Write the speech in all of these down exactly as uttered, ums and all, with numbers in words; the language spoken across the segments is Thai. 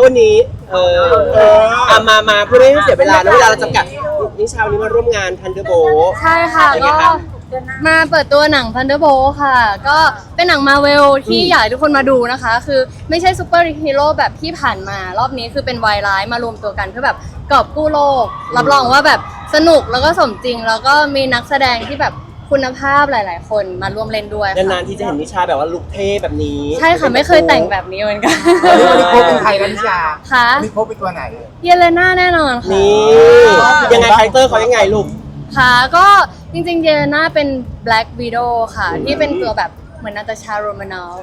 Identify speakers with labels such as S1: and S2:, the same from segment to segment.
S1: วันนี้เออเอามามาเพื่อไม่ให้เสียเวลาแล้วเวลาเราจำกัดนิชาวันนี้มาร่วมงานทันเดอร์โบ
S2: ใช่ค่ะก็มาเปิดตัวหนัง Thunderbolt ค่ะก็เป็นหนังมาเวลที่อยากให้ทุกคนมาดูนะคะคือไม่ใช่ซูเปอร์ฮีโร่แบบที่ผ่านมารอบนี้คือเป็นวายร้ายมารวมตัวกันเพื่อแบบกอบกู้โลกรับรองว่าแบบสนุกแล้วก็สมจริงแล้วก็มีนักแสดงที่แบบคุณภาพหลายๆคนมาร่วมเล่นด้วย
S1: นานๆที่จะเห็นนิชาแบบว่าลุคเท่แบบนี้
S2: ใช่ค่ะไม่เคยแต่งแบบนี้เหมือนกัน
S3: วันนี้โค้ชเป็นใครนะนิชา
S2: ค่ะ
S3: วันนี้โค้ชเป็นตัวไหน
S2: เยเลน่าแน่นอนค่ะ
S1: นี่ยังไงคาแรคเตอร์เขายังไงลูก
S2: ค่ะก็จริงๆเยเลน่าเป็น Black Widow ค่ะที่เป็นตัวแบบเหมือนนาตาชาโรมานอฟ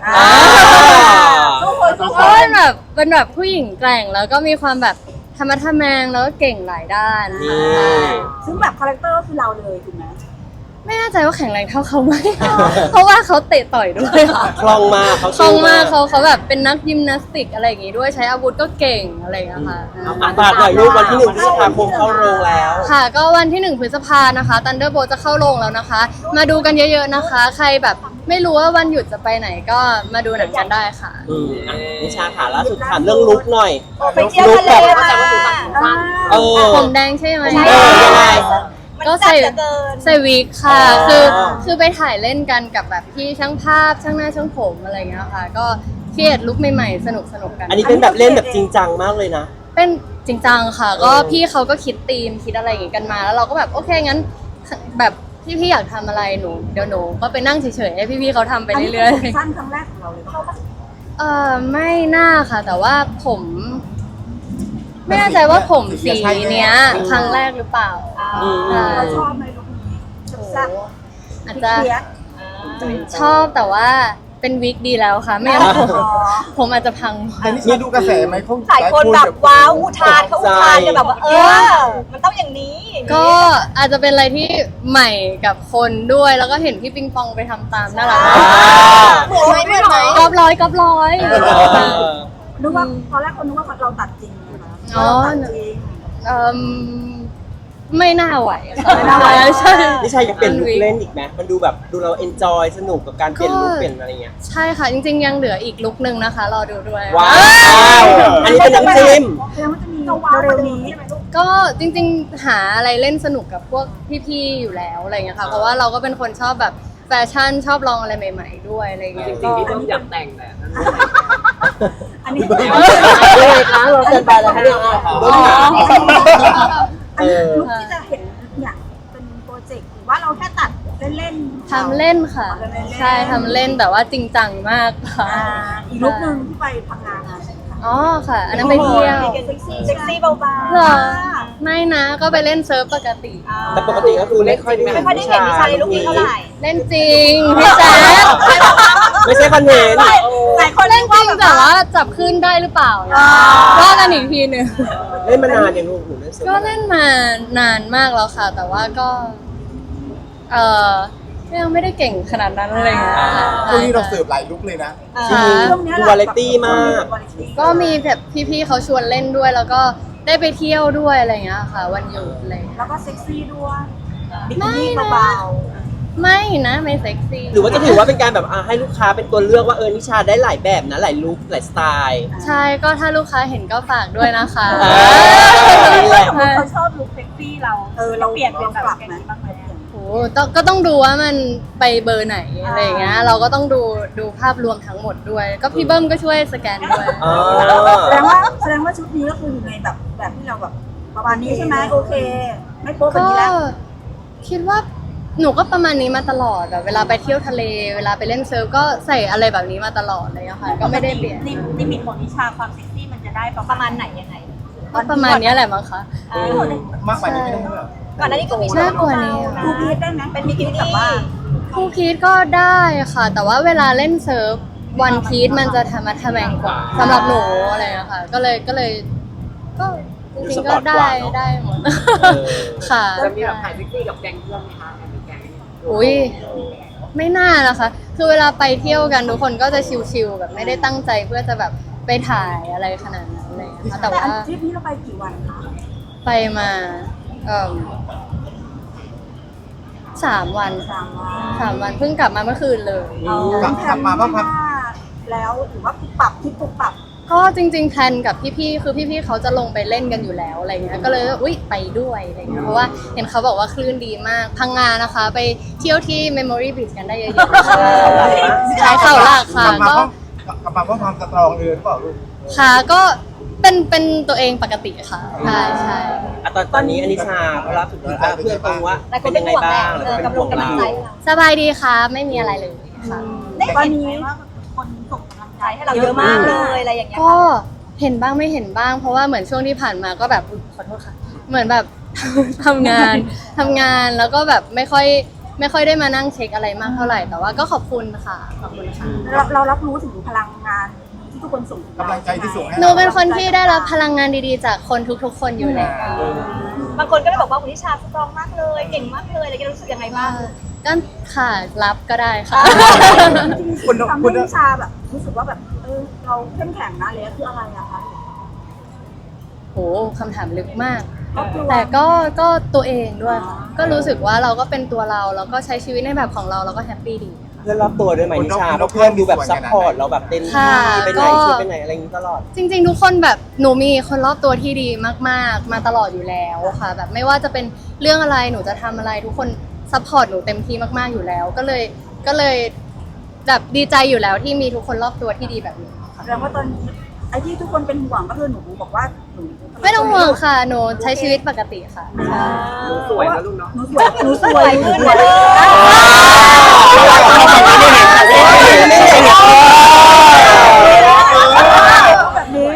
S2: ก็เป็นแบบเป็นแบบผู้หญิงแกร่งแล้วก็มีความแบบธรรมะทะแมงแล้วก็เก่งหลายด้าน
S4: ซึ่งแบบคาแรคเตอร์คือเราเลยถูกไหม
S2: ไม่แน่ใจว่าแข็งแรงเท่าเขาไหมเพราะว่าเขาเตะต่อยด้วยค่ะ
S1: คล่องมากเขา
S2: คล่องมากเขาเขาแบบเป็นนักยิมนาสติกอะไรอย่างงี้ด้วยใช้อาวุธก็เก่งอะไรอย่างเงี้ยค่ะ
S1: ฝากหน่อยลูกวันที่หนึ่งพฤษภาคมเข้าโรงแล้ว
S2: ค่ะก็วันที่หนึ่งพฤษภานะคะ Thunderbolt จะเข้าโรงแล้วนะคะมาดูกันเยอะๆนะคะใครแบบไม่รู้ว่าวันหยุดจะไปไหนก็มาดูหนังกันได้ค่ะ
S1: นิชาถามล่าสุดถามเรื่องลุคหน่อย
S4: ไปเที่ยวทะเล
S1: เออ
S2: ผมแดงใช่ไหม
S1: เออยังไง
S2: ก็ใส่ใส่วิกค่ะคือคือไปถ่ายเล่นกันกับแบบพี่ช่างภาพช่างหน้าช่างผมอะไรอย่างเงี้ยค่ะก็เครียดลุคใหม่ๆสนุกสนุกกัน
S1: อันนี้เป็นแบบเล่นแบบจริงจังมากเลยนะ
S2: เป็นจริงจังค่ะก็พี่เขาก็คิดธีมคิดอะไรอย่างงี้กันมาแล้วเราก็แบบโอเคงั้นแบบพี่ๆอยากทำอะไรหนูเดี๋ยวหนูก็ไปนั่งเฉยๆให้พี่ๆเขาทำไปเรื่อย
S4: ๆสั้นครั้งแรกของเราเลยเข้าปะ
S2: เออไม่น่าค่ะแต่ว่าผมไม่แน่ใจว่าผมสีเนี้ยครั้งแรกหรือเปล่า
S4: เราชอบไหมลูกนี้
S2: อาจจะชอบแต่ว่าเป็นวิกดีแล้วค่ะไม่งั้นผมผมอาจจะพัง
S3: แต่นี่มีดูกระแสไหมเขา
S4: หลายคนแบบว้าวอุทานเขาอุทานจะแบบว่าเออมันต้องอย่างนี้
S2: ก็อาจจะเป็นอะไรที่ใหม่กับคนด้วยแล้วก็เห็นพี่ปิงปองไปทำตามน่ารัก
S4: เหมือนไหมเหมือนไหม
S2: กอบร้อยกอบร้อย
S4: นึกว่าตอนแรกคนนึกว่าเราตัดจริง
S2: อ๋อเอ่อไม่น่าไหวไม่น่าไหวใช่
S1: นิชาอยากเปลี่ยนลุคเล่นอีกไหมมันดูแบบดูเราเอนจอยสนุกกับการเปลี่ยนลุคเปลี่ยนอะไรเงี้ย
S2: ใช่ค่ะจริงๆยังเหลืออีกลุคนึงนะคะรอดูด้วย
S1: ว้าวอันนี้เป็นน้ำจิ้ม
S4: แล้วมันจะมีเร็วๆนี้
S2: ก็จริงๆหาอะไรเล่นสนุกกับพวกพี่ๆอยู่แล้วอะไรเงี้ยค่ะเพราะว่าเราก็เป็นคนชอบแบบแฟชั่นชอบลองอะไรใหม่ๆด้วยอะไรเงี้ย
S5: จริงๆที่ต้องอยากแต่งแหละ
S4: อันนี้
S1: เลยคะเราเซ็นไปแล้วเรื่อง
S4: เออลุคที่จะเห็นเนี่ยเป็นโปรเจกต์หรือว่าเราแค่ตัดเล่น
S2: ๆทำเล่นค่ะใช่ทำเล่นแต่ว่าจริงจังมากค่ะ
S4: อีกลุคนึงที่ไปพังงาน
S2: อ๋อค่ะอันนั้นไปเที่ยว
S4: เซ็กซี่เซ็กซี่เบาๆ
S2: เหรอไม่นะก็ไปเล่นเซิร์ฟปกติ
S1: แต่ปกติก็คือไม่ค่อยได้
S4: ไม่ค่อยได้เห็นนิชาในลุคนี้เท่าไหร่
S2: เล่นจริงพี่แจ๊ค
S1: ไม่ใช่คอนเทนต์
S4: หลายคน
S2: เล่นจริงแต่ว่าจับขึ้นได้หรือเปล่าว่ากันอีกทีหนึ่ง
S1: เล่นมานานอย่างลูกหนูเล่นเซิร์ฟ
S2: ก็เล่นมานานมากแล้วค่ะแต่ว่าก็เออยังไม่ได้เก่งขนาดนั้นเลย
S3: ช่วงนี้เราเสิร์ฟหลายลุคเลยนะ
S1: ดูวาไรตี้มาก
S2: ก็มีแบบพี่ๆเขาชวนเล่นด้วยแล้วก็ได้ไปเที่ยวด้วยอะไรอย่างเงี้ยค่ะวันหยุดอะไร
S4: แล้วก็เซ็กซี่ด้วย
S2: ไม่นะไม่นะไม่เซ็กซี่
S1: หรือว่าจะถือว่าเป็นการแบบให้ลูกค้าเป็นตัวเลือกว่าเออนิชาได้หลายแบบนะหลายลุคหลายสไตล์
S2: ใช่ก็ถ้าลูกค้าเห็นก็ฝากด้วยนะคะ
S4: เขาชอบลุคเซ็กซี่เราเออเราเปลี่ยนเป็นแบบนี้บ้างไหม
S2: โอ้ก็ต้องดูว่ามันไปเบอร์ไหนอะไรอย่างเงี้ยเราก็ต้องดูดูภาพรวมทั้งหมดด้วยก็พี่เบิ้มก็ช่วยสแกนด้วย
S4: แสดงว่าแสดงว่าชุดนี้ก็คืออยู่ในแบบแบบที่เราแบบประมาณนี้ใช่ไหมโอเคไม่โป๊ะแบบนี้แล้ว
S2: คิดว่าหนูก็ประมาณนี้มาตลอดแบบเวลาไปเที่ยวทะเลเวลาไปเล่นเซิร์ฟก็ใส่อะไรแบบนี้มาตลอดเลยอะค่ะก็ไม่ได้เปลี่ยน
S4: ลิมิตของนิชาความเซ็กซี่มันจะได้ประมาณไหนยังไง
S2: ประมาณนี้แหละมั้งคะ
S3: มากกว่านี้ไม่ได้หรอ
S4: ก่อนหน้านี้ก็มี
S2: มากกว่านี้
S4: คู่พีทได้ไหมเป็นบิกินี่แบบว่า
S2: คู่พีทก็ได้ค่ะแต่ว่าเวลาเล่นเซิร์ฟวันพีทมันจะทำมาทำแมงกว่าสำหรับหนูอะไรอะค่ะก็เลยก็เลยก็จริงๆก็ได้ได้หมดค่ะ
S5: จะมีแบบถ่ายเซ็กซี่กับแก๊งเพื่อนไหมคะแก๊ง
S2: อุ้ยไม่น่านะคะคือเวลาไปเที่ยวกันทุกคนก็จะชิลๆแบบไม่ได้ตั้งใจเพื่อจะแบบไปถ่ายอะไรขนาดนั้นเลยค่ะแต่ว่า
S4: ทริปนี้เราไปกี่วันคะ
S2: ไปมาเอ่อสามวัน
S4: สามวัน
S2: สามวันเพิ่งกลับมาเมื่อคืนเลย
S3: กลับมาบ้างครับ
S4: แล้วหรือว่าปรับที่ปรับ
S2: ก็จริงๆแพลนกับพี่ๆคือพี่ๆเขาจะลงไปเล่นกันอยู่แล้วอะไรเงี้ยก็เลยอุ๊ยไปด้วยอะไรเงี้ยเพราะว่าเห็นเขาบอกว่าคลื่นดีมากพังงานะคะ ไปเที่ยวที่ Memory Beach กันได้เยอะๆใช่เข่าหลักค่ะ
S3: กลับมา
S2: ก็
S3: เพราะกลับมาเพราะความสตรองเลยหรือเปล่าลูก
S2: ค่ะก็เป็นเป็นตัวเองปกติค่ะใช่ใช่
S1: อ่ะตอนตอนนี้อนิชาเขารับสุดแล้วอ่ะเพื่อนตรงว่าเป็นยังไงบ้างแล้วก็เป็นห่วงเรา
S2: สบายดีค่ะไม่มีอะไรเลยค่ะ
S4: ได้เห็นไหมว่าคนส่งกำลังใจให้เราเยอะมากเลยอะไรอย่างเงี้ย
S2: ก็เห็นบ้างไม่เห็นบ้าง เพราะว่าเหมือนช่วงที่ผ่านมาก็แบบอุ๊ยขอโทษค่ะ เหมือนแบบ ทำงานทำงานแล้วก็แบบไม่ค่อยไม่ค่อยได้มานั่งเช็คอะไรมากเท่าไหร่แต่ว่าก็ขอบคุณค่ะขอบคุณค่ะ
S4: เราเรารับรู้ถึงพลังงานที่ทุกคนส่ง
S3: กำลังใจที่ส่งให้
S2: หนูเป็นคนที่ได้รับพลังงานดีๆ จากคนทุกๆ คนอยู่แล้ว
S4: บางคนก็เลยบอกว่าคุณนิชาสตรองมากเลยเก่งมากเลยอะไรกันรู้สึกยังไงบ้าง
S2: ก็ค่ะรับก็ได้ค่ะ
S3: คุณ
S4: ทำ
S3: คุ
S4: ให้
S3: ณ
S4: นิชาแบบรู้สึกว่าแบบเออเราเข้มแข็งนะเลยคืออะไรอะคะ
S2: โหคำถามลึกมาก
S4: ครอบครัว
S2: แต่ก็ก็ตัวเองด้วยค่ะก็รู้สึกว่าเราก็เป็นตัวเราแล้วก็ใช้ชีวิตในแบบของเราแล้วก็แฮปปี้ดี
S1: เพื่อนรอบตัวด้วยไหมนิชาเพราะเพื่อนดูแบบซัพพอร์ตเราแบบเต็มที่ไปไหนชวนไปไหนอะไรอย่างนี้ตลอด
S2: จริงๆ ทุกคนแบบหนูมีคนรอบตัวที่ดีมากๆ มาตลอดอยู่แล้วค่ะ แบบไม่ว่าจะเป็นเรื่องอะไรหนูจะทำอะไรทุกคนซัพพอร์ตหนูเต็มที่มากๆอยู่แล้ว ก็เลยก็เลยแบบดีใจอยู่แล้วที่มีทุกคนรอบตัวที่ดีแบบนี้ค่ะ
S4: แสดงว่าตอนนี้ไอ้ที่ทุกคนเป็นห่วงก็คือหนูบอกว่าหนู
S2: ไม่ต้องห่วงค่ะหนูใช้ชีวิตปกติค่ะใช่
S5: หนูสวยนะลูกเนาะ
S4: หนูสวยหนูสวยขึ้นเลยแบบนี้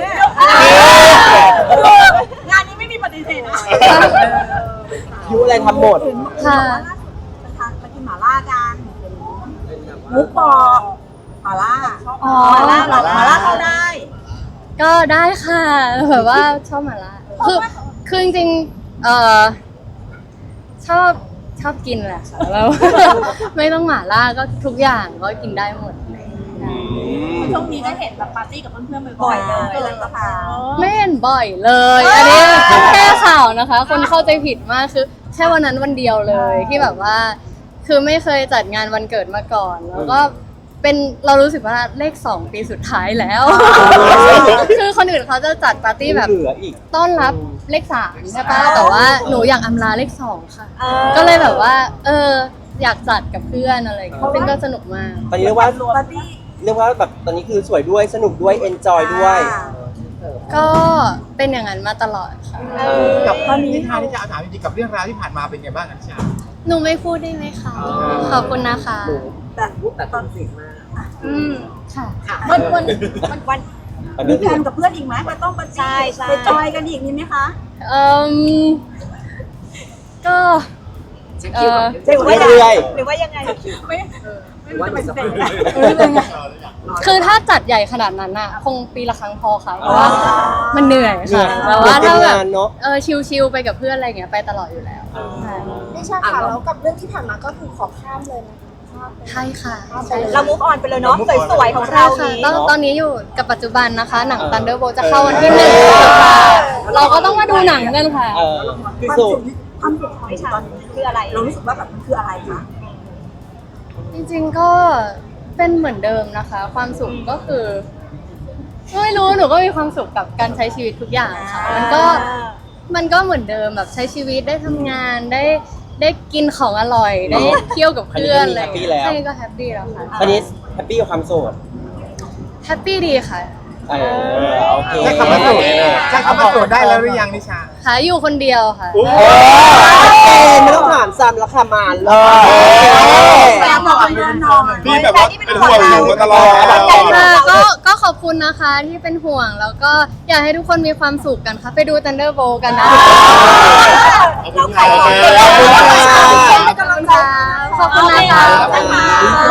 S4: งานนี้ไม่มีปฏิเสธนะ
S1: ยุอะไรทำหมด
S2: ค่ะ
S4: ไปทานไปกินหม่าล่ากันมุกปอหม่าล่า
S2: อ๋อ
S4: หม่าล่าหม่าล่าเข้าได้
S2: ก็ได้ค่ะแบบว่าชอบหมาล่าคือคือจริงๆเอ่อชอบชอบกินแหละค่ะแล้ว ไม่ต้องหมาล่าก็ทุกอย่างก็กินได้หมด
S6: ช่วงนี้ได้เห็นแบบปาร์ตี้กับเพื่อนๆ
S4: บ่
S6: บ่
S4: อ
S6: อย ย
S4: เล
S6: ๆ
S4: ยเลยก็พา
S2: ไม่เห็นบ่อยเลย อันนี้แค่ข่าวนะคะ คนเข้าใจผิดมากคือแค่วันนั้นวันเดียวเลยที่แบบว่า คือไม่เคยจัดงานวันเกิดมาก่อน แล้วก็เป็นเรารู้สึกว่าเลขสองปีสุดท้ายแล้ว คือคนอื่นเขาจะจัดปาร์ตี้แบบ
S1: เหลืออีก
S2: ต้อนรับเลขสามใช่ปะแต่ว่าหนูอยากอำลาเลขสองค่ะ ก็เลยแบบว่า เออ อยากจัดกับเพื่อนอะไรอย่างเงี้ยซึ่งก็สนุกมาก
S1: ตอนนี้เรียกว่า
S4: ปาร์ตี้
S1: เรียกว่าแบบตอนนี้คือสวยด้วยสนุกด้วยเอนจอยด้วย
S2: ก็เป็นอย่างนั้นมาตลอดค่ะ
S3: กับตอนนี้นิชาที่จะถามจริงๆกับเรื่องราวที่ผ่านมาเป็นไงบ้างนิชา
S2: หนูไม่พูดได้ไหมคะ ขอบคุณนะคะ
S4: แต่
S5: แต่ตอนสิงมาก
S2: อืมค่ะ
S4: วันวันวันวัน
S1: ตอน
S4: มี
S1: นี้
S4: แพลนกับเพื่อนอีกไหมจะต้องปาร์ตี้ไปจอยกันอีกนี่ไหมคะ
S2: เอ่มก็
S5: เช็คคิวก่อน
S2: เออ
S5: เช็คคิว
S1: เรื่อย
S4: หรือว่ายังไง
S5: ว่าจะไปไหน
S2: คือถ้าจัดใหญ่ขนาดนั้นอะคงปีละครั้งพอค่ะ เพราะว่ามันเหนื่อยค่ะแต่ว่าถ้าแบบ
S1: เนาะ
S2: เออชิลๆไปกับเพื่อนอะไรเงี้ยไปตลอดอยู่แล้วใช่
S6: นิชาค่ะแล้วกับเรื่องที่ผ่านมาก็คือขอข้ามเลยนะ
S2: ใช่ค่ะใช่
S4: เรามุกออนไปเลยเนาะสวยๆของเรา
S2: ใช่ค่ะ
S4: นี้
S2: ตอนตอนนี้อยู่กับปัจจุบันนะคะ หนัง Thunderbolt จะเข้าวันที่หนึ่งค่ะ เราก็ต้องมาดูหนังกันค่ะ
S1: เออคือ
S4: ความ
S1: สุ
S4: สุ
S1: ด
S4: ขความสุขของนิชาคืออะไร เรารู้สึกว่าแบบมันคืออะไรคะ
S2: จริงๆก็เป็นเหมือนเดิมนะคะ ความสุขก็คือไม่รู้หนูก็มีความสุขกับการใช้ชีวิตทุกอย่างค่ะมันก็มันก็เหมือนเดิมแบบใช้ชีวิตได้ทำงานได้ได้กินของอร่อย ได้เที่ยวกับเพื่อนอะไรอย่างเงี้ยใช่ก็แฮปปี้แล้วค่ะ
S1: ตอนนี้แฮปปี้กับความโสด
S2: แฮปปี้ดีค่ะ
S1: เออโอเค
S3: ใช้คำว่าโสดใช้คำว่าโสดได้แล้วหรือยังนิชา
S2: ค่ะอยู่คนเดียวค่ะ
S1: เออไม่ต้องถามซ้ำแล้วค่ะมาเลย
S4: แฟนบอกเรื่องนอน
S7: พี่แบบว่าเป็นห่วงอยู่มาตลอด
S2: ค่ะก็ก็ขอบคุณนะคะที่เป็นห่วงแล้วก็อยากให้ทุกคนมีความสุขกันค่ะ ไปดู Thunderbolt กันนะ
S4: เราขายของ
S1: ขอบคุณค่ะ
S2: ขอบคุณค่ะขอบคุณนะคะขอบคุณค่ะ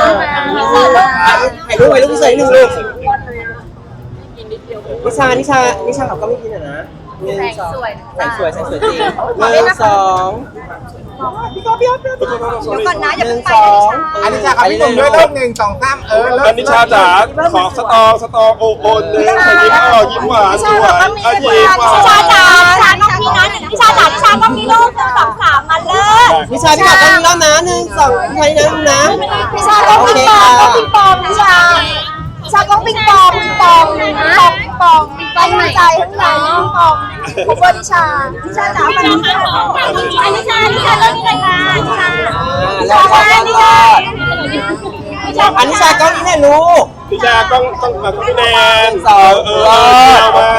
S1: ถ่ายรูปไว้รูปสวยหนึ่งรูปนิชานิชานิชาเขาก็ไม่กินอ่ะนะหนึ่งสองแสงสวยแสงสวยจริงหนึ่งสองพี่ก็พี่ก็พี่ก็
S4: เดี๋ยวก่อนนะอย่า
S1: หนึ่
S4: เพิ่
S1: ง
S4: งไป
S1: ส
S4: นะ
S1: อง
S4: นิชา
S3: อันนิชาครับพี่ผมด้วยเริ่มหนึ่งสองสามเออเริ่
S7: อั
S3: ม
S7: นนิชาจ๋าขอสตอสตอโอโอนเลยยิ้มออกยิ้มหวานสวยอ่ะยิ้มหวาน
S4: นิชาจ๋านิชาต้องมีนะนิชาจ๋านิชาต้องมีลูกหนึ่งสองสามมาเลิศ
S1: นิชาพี่ก็ต้องรอบนะหนึ่งสองใครนะนะ
S4: นิชาต้อง
S1: โอ
S4: มี
S1: เค
S4: ปอ
S1: ค่ะ
S4: มต้องมีปอมนิชาชากองปิงปองปิงปองปิงปองปิงปองปิงปองในใจข้างในปิงปองผมว่านิชานิชาจ๋ามานิชานิชานิชาเริ่มเลยค่ะนิชา
S1: แล้วก็นิชาอันนิชาก็นี่แน่ลูก
S7: พี่ชากล้องต้องมาพี่แนน
S1: สอง
S7: เออเออเอามา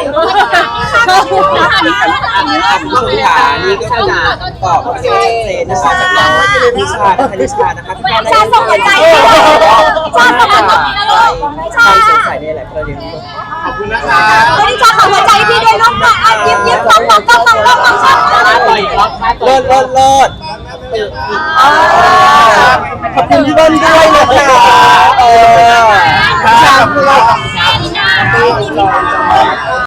S1: ลูกขานี่ก็จะตอบชัดเจนนะคะจากน้องนิชานะคะนิชานะคะพี่ชาส่งหัวใจชาส่งหัวใจชาสงสัยในหลายประเด็น
S3: ขอบคุณนะคะ
S4: นิชาขอหัวใจพี่ด้วยน้องค่ะยิ้มยิ้มต้องต้องต้องต้องต้องชา
S1: เลิศเลิศเลิศขอบคุณพี่เบิ้ลด้วยนะคะเออ
S3: ขอบคุณเรา